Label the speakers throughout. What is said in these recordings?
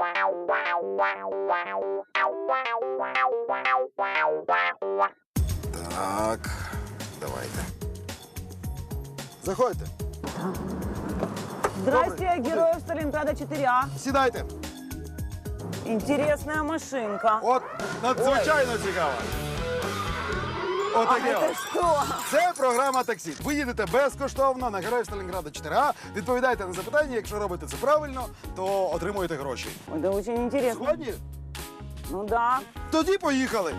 Speaker 1: Так, давайте. Заходьте.
Speaker 2: Здрасте,
Speaker 1: Добрый.
Speaker 2: героев Сталинграда 4А.
Speaker 1: Сідайте.
Speaker 2: Интересная машинка.
Speaker 1: От надзвичайно цікаво.
Speaker 2: А
Speaker 1: Отаке.
Speaker 2: это
Speaker 1: от.
Speaker 2: что?
Speaker 1: Це програма «Таксі». Ви їдете безкоштовно на Героїв Сталінграда 4А, відповідаєте на запитання, якщо робите це правильно, то отримуєте гроші.
Speaker 2: Это очень интересно.
Speaker 1: Згодні?
Speaker 2: Ну да.
Speaker 1: Тоді поїхали.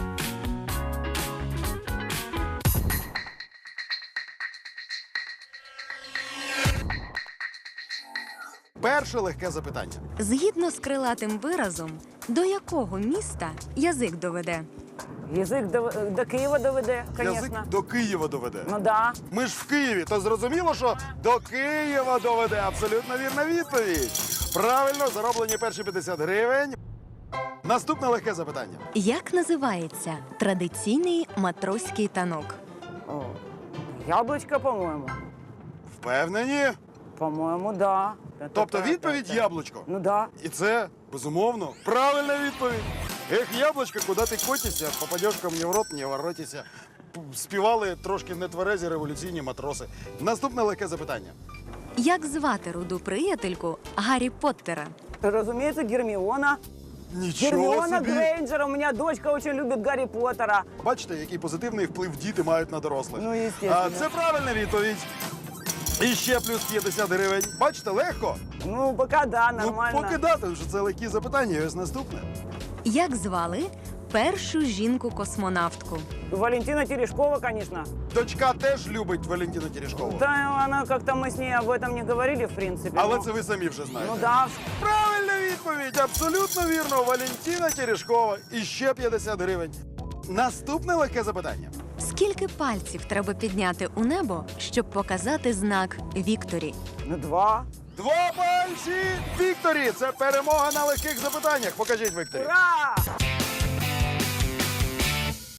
Speaker 1: Перше легке запитання.
Speaker 3: Згідно з крилатим виразом, до якого міста язик доведе?
Speaker 2: Язык до Киева доведе, конечно.
Speaker 1: Язик до Києва доведе.
Speaker 2: Ну да.
Speaker 1: Ми ж в Києві, то зрозуміло, що до Києва доведе. Абсолютно вірна відповідь. Правильно, зароблені перші 50 гривень. Наступне легке запитання.
Speaker 3: Як називається традиційний матроський танок?
Speaker 2: О, яблочко, по-моему.
Speaker 1: Впевнені?
Speaker 2: По-моему, да.
Speaker 1: Тобто відповідь яблучко.
Speaker 2: Ну да.
Speaker 1: І це, безумовно, правильна відповідь. Ех, яблучко, куди ти котишся, попадеш ко мені в рот, не воротися. Співали трошки нетверезі революційні матроси. Наступне легке запитання.
Speaker 3: Як звати руду приятельку Гаррі Поттера?
Speaker 2: Разумеется, Гермиона.
Speaker 1: Нічого
Speaker 2: Гермиона
Speaker 1: собі!
Speaker 2: Грейнджер. У меня дочка очень любит Гарри Поттера.
Speaker 1: Бачите, який позитивний вплив діти мають на дорослих.
Speaker 2: Ну, естественно.
Speaker 1: Це правильна відповідь. І ще плюс 50 гривень. Бачите, легко.
Speaker 2: Ну, пока да, нормально.
Speaker 1: Ну, поки дати, вже це легкі запитання. І ось наступне.
Speaker 3: Як звали першу жінку-космонавтку?
Speaker 2: Валентина Терешкова, конечно.
Speaker 1: Дочка теж любить Валентину Терешкову.
Speaker 2: Да, она как-то мы с ней об этом не говорили, в принципе.
Speaker 1: Але
Speaker 2: но-
Speaker 1: це ви самі вже знаєте.
Speaker 2: Ну да.
Speaker 1: Правильна відповідь, абсолютно вірно. Валентина Терешкова. І ще 50 гривень. Наступне легке запитання.
Speaker 3: Скільки пальців треба підняти у небо, щоб показати знак Вікторі?
Speaker 2: Ну, 2.
Speaker 1: 2 пальці Вікторі. Це перемога на легких запитаннях. Покажіть, Вікторі.
Speaker 2: Ура!